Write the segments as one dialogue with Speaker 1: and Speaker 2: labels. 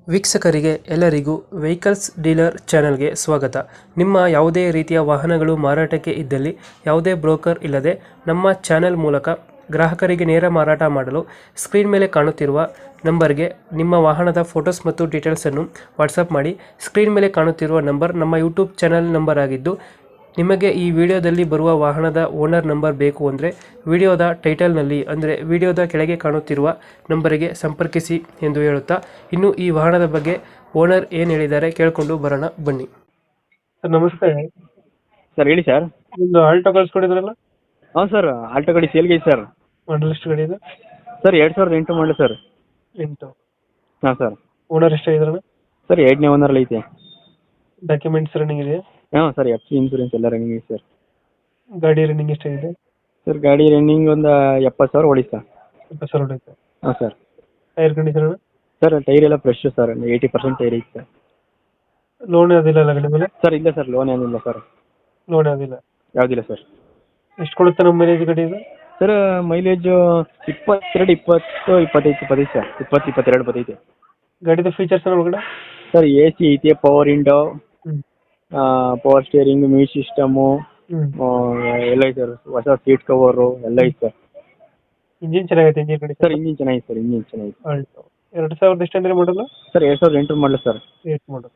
Speaker 1: ವೀಕ್ಷಕರಿಗೆ ಎಲ್ಲರಿಗೂ vehicles dealer ಚಾನೆಲ್ಗೆ ಸ್ವಾಗತ. ನಿಮ್ಮ ಯಾವುದೇ ರೀತಿಯ ವಾಹನಗಳು ಮಾರಾಟಕ್ಕೆ ಇದ್ದಲ್ಲಿ ಯಾವುದೇ ಬ್ರೋಕರ್ ಇಲ್ಲದೆ ನಮ್ಮ ಚಾನೆಲ್ ಮೂಲಕ ಗ್ರಾಹಕರಿಗೆ ನೇರ ಮಾರಾಟ ಮಾಡಲು ಸ್ಕ್ರೀನ್ ಮೇಲೆ ಕಾಣುತ್ತಿರುವ ನಂಬರ್ಗೆ ನಿಮ್ಮ ವಾಹನದ ಫೋಟೋಸ್ ಮತ್ತು ಡೀಟೇಲ್ಸನ್ನು ವಾಟ್ಸಪ್ ಮಾಡಿ. ಸ್ಕ್ರೀನ್ ಮೇಲೆ ಕಾಣುತ್ತಿರುವ ನಂಬರ್ ನಮ್ಮ ಯೂಟ್ಯೂಬ್ ಚಾನೆಲ್ ನಂಬರ್ ಆಗಿದ್ದು, ನಿಮಗೆ ಈ ವಿಡಿಯೋದಲ್ಲಿ ಬರುವ ವಾಹನದ ಓನರ್ ನಂಬರ್ ಬೇಕು ಅಂದರೆ ವಿಡಿಯೋದ ಟೈಟಲ್ನಲ್ಲಿ ಅಂದರೆ ವಿಡಿಯೋದ ಕೆಳಗೆ ಕಾಣುತ್ತಿರುವ ನಂಬರಿಗೆ ಸಂಪರ್ಕಿಸಿ ಎಂದು ಹೇಳುತ್ತಾ, ಇನ್ನು ಈ ವಾಹನದ ಬಗ್ಗೆ ಓನರ್ ಏನು ಹೇಳಿದ್ದಾರೆ ಕೇಳಿಕೊಂಡು ಬರೋಣ ಬನ್ನಿ. ಸರ್ ನಮಸ್ತೆ.
Speaker 2: ಸರ್ ಹೇಳಿ ಸರ್.
Speaker 1: ಒಂದು ಆಲ್ಟೋ ಕಳಿಸ್ಕೊಡಿದ್ರಲ್ಲ,
Speaker 2: ಹಾಂ ಸರ್, ಆಲ್ಟೋ ಗಾಡಿ ಸೇಲ್ಗೆ ಇದೆ ಸರ್.
Speaker 1: ಮಾಡಲ್ ಎಷ್ಟು ಗಾಡಿ ಇದೆ?
Speaker 2: ಸರ್ 2008 ಮಾಡಲಿ ಸರ್.
Speaker 1: 8.
Speaker 2: ಹಾಂ ಸರ್.
Speaker 1: ಓನರ್ ಎಷ್ಟಾಗಿದ್ರಣ?
Speaker 2: ಸರ್ 8ನೇ ಓನರಲ್ಲಿ ಐತೆ.
Speaker 1: ಡಾಕ್ಯುಮೆಂಟ್ಸ್ ರನ್ನಿಂಗ್ ಇದೆಯಾ?
Speaker 2: ಹಾಂ ಸರ್, FC ಇನ್ಸೂರೆನ್ಸ್ ಎಲ್ಲ ರನ್ನಿಂಗ್ ಇದೆ ಸರ್.
Speaker 1: ಗಾಡಿ ರನ್ನಿಂಗ್ ಎಷ್ಟಾಗಿದೆ?
Speaker 2: ಸರ್ ಗಾಡಿ ರನ್ನಿಂಗ್ ಒಂದು 70,000 ಓಡಿ ಸರ್.
Speaker 1: 20,000 ಹೊಡೆಯುತ್ತೆ.
Speaker 2: ಹಾಂ sir.
Speaker 1: Tyre condition?
Speaker 2: Sir tyre ಎಲ್ಲ ಫ್ರೆಶ್ ಸರ್, 80% ಟೈರ್ ಐತೆ ಸರ್.
Speaker 1: ಲೋನ್ ಯಾವುದಿಲ್ಲ ಅಲ್ಲ ಗಾಡಿ ಮೇಲೆ?
Speaker 2: ಸರ್ ಇಲ್ಲ ಸರ್, ಲೋನ್ ಏನಿಲ್ಲ ಸರ್.
Speaker 1: ಲೋನ್ ಯಾವುದಿಲ್ಲ?
Speaker 2: ಯಾವುದಿಲ್ಲ ಸರ್.
Speaker 1: ಎಷ್ಟು ಕೊಡುತ್ತೆ ನಮ್ಮ ಮೈಲೇಜ್ ಗಾಡಿ ಇದು?
Speaker 2: Sir mileage 22, 20, 25 sir. 20, 22 ಬರ್ತೈತೆ.
Speaker 1: ಗಾಡಿದು ಫೀಚರ್ಸ್ ಒಳಗಡೆ?
Speaker 2: ಸರ್ AC ಐತೆ, ಪವರ್ ವಿಂಡೋ,
Speaker 1: ಹ್ಞೂ
Speaker 2: ಪವರ್ ಸ್ಟೇರಿಂಗ್, ಮ್ಯೂಸಿಕ್ ಸಿಸ್ಟಮು
Speaker 1: ಹ್ಞೂ
Speaker 2: ಎಲ್ಲ ಐತೆ ಸರ್. ಹೊಸ ಸೀಟ್ ಕವರು ಎಲ್ಲ ಐತೆ ಸರ್.
Speaker 1: ಇಂಜಿನ್ ಚೆನ್ನಾಗೈತೆ? ಇಂಜಿನ್ ಗಾಡಿ
Speaker 2: ಸರ್ ಇಂಜಿನ್ ಚೆನ್ನಾಗಿದೆ ಸರ್, ಇಂಜಿನ್ ಚೆನ್ನಾಗಿದೆ.
Speaker 1: ಆಲ್ಟೋ 2000 ಎಷ್ಟು ಅಂದ್ರೆ ಮಾಡಲ್ಲ?
Speaker 2: ಸರ್ 2008 ಮಾಡಲ ಸರ್.
Speaker 1: 8 ಮಾಡಲ್ಲ.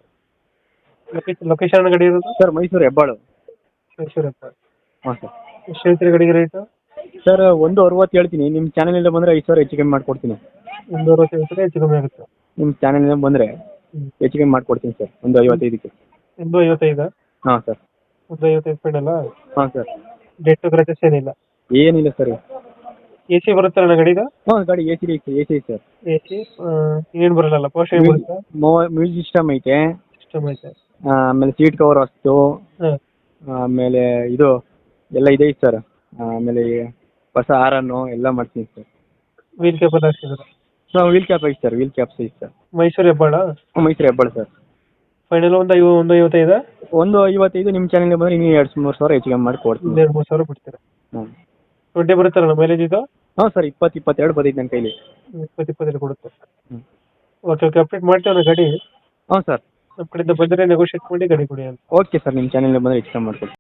Speaker 1: ಲೊಕೇಶನ್ ಗಾಡಿ ಇರೋದು?
Speaker 2: ಸರ್ ಮೈಸೂರು ಹೆಬ್ಬಾಳು.
Speaker 1: ಮೈಸೂರು ಹತ್ರ.
Speaker 2: ಹಾಂ ಸರ್.
Speaker 1: ಎಷ್ಟು ಹೇಳ್ತೀರಿ ಗಾಡಿಗೆ ರೇಟು?
Speaker 2: ಸರ್ 160 ಹೇಳ್ತೀನಿ. ನಿಮ್ಮ ಚಾನಲಿಂದ ಬಂದರೆ 5,000 ಹೆಚ್ಚು ಕಮ್ಮಿ ಮಾಡಿಕೊಡ್ತೀನಿ.
Speaker 1: 160 ಹೇಳ್ತಾರೆ, ಹೆಚ್ಚು ಕಮ್ಮಿ ಆಗುತ್ತೆ.
Speaker 2: ನಿಮ್ಮ ಚಾನಲಿಂದ ಬಂದರೆ ಹೆಚ್ಚು ಕಮ್ಮಿ ಮಾಡಿಕೊಡ್ತೀನಿ ಸರ್, ಒಂದು 55ಕ್ಕೆ.
Speaker 1: 155?
Speaker 2: ಹಾಂ ಸರ್.
Speaker 1: 155 ಫೈನಲ್ಲ?
Speaker 2: ಹಾಂ ಸರ್.
Speaker 1: ಡೆಟ್ ಕ್ರಚಸ್ ಏನಿಲ್ಲ?
Speaker 2: ಏನಿಲ್ಲ ಸರ್.
Speaker 1: ಎ ಸಿ ಬರುತ್ತಲ್ಲ ಗಾಡಿದು?
Speaker 2: ಹಾಂ ಗಾಡಿ AC ಐತೆ ಸರ್.
Speaker 1: ಎ ಸಿ ಇನ್ನೇನು ಬರಲ್ಲ? ಪೋಸ್ಟ್ ಏನು ಬರುತ್ತೆ?
Speaker 2: ಮ್ಯೂಸಿಕ್ ಸಿಸ್ಟಮ್ ಐತೆ.
Speaker 1: ಸಿಸ್ಟಮ್ ಐತೆ.
Speaker 2: ಆಮೇಲೆ ಸೀಟ್ ಕವರ್ ಅಷ್ಟು,
Speaker 1: ಹಾಂ.
Speaker 2: ಆಮೇಲೆ ಇದು ಎಲ್ಲ ಇದೆ ಸರ್. ಆಮೇಲೆ ಹೊಸ ಹಾರನ್ನು ಎಲ್ಲ ಮಾಡ್ತೀನಿ ಸರ್.
Speaker 1: ವೀಲ್ ಕ್ಯಾಪಲ್ಲಿ ಹಾಕ್ಸಿದ್ರೆ?
Speaker 2: ಹಾಂ ವೀಲ್ ಕ್ಯಾಪ್ ಐತೆ ಸರ್, ವೀಲ್ ಕ್ಯಾಪ್ಸ್ ಐತೆ sir.
Speaker 1: Mysuru Hebbal?
Speaker 2: Mysuru Hebbal sir.
Speaker 1: Final ಒಂದು 155?
Speaker 2: 155 ನಿಮ್ಮ ಚಾನಲ್ಗೆ ಬಂದರೆ ಇನ್ನೂ 2-3 ಸಾವಿರ ಹೆಚ್ಚು ಕಮ್ಮಿ ಮಾಡಿ ಕೊಡ್ತೀನಿ.
Speaker 1: 2-3 ಸಾವಿರ ಬಿಡ್ತೀರಾ?
Speaker 2: ಹಾಂ.
Speaker 1: 20 ಬರುತ್ತಲ್ಲ ಮೈಲೇಜ್ ಇದು?
Speaker 2: ಹಾಂ ಸರ್, 20, 22 ಬಂದೈತೆ ನನ್ನ ಕೈಲಿ.
Speaker 1: 20-22 ಕೊಡುತ್ತೆ.
Speaker 2: ಹ್ಞೂ.
Speaker 1: ಓಕೆ ಅಪ್ಡೇಟ್ ಮಾಡ್ತೇವೆ ಗಾಡಿ.
Speaker 2: ಹಾಂ ಸರ್.
Speaker 1: ನಮ್ಮ ಕಡೆಯಿಂದ ಬಂದರೆ ನೆಗೋಷಿಯೇಟ್ ಮಾಡಿ ಗಾಡಿ ಕೊಡಿ ಅಂತ.
Speaker 2: ಓಕೆ ಸರ್, ನಿಮ್ಮ ಚಾನಲ್ಗೆ ಬಂದರೆ ಹೆಚ್ಚು ಕಮ್ಮಿ ಮಾಡ್ಕೊಡ್ತೀನಿ.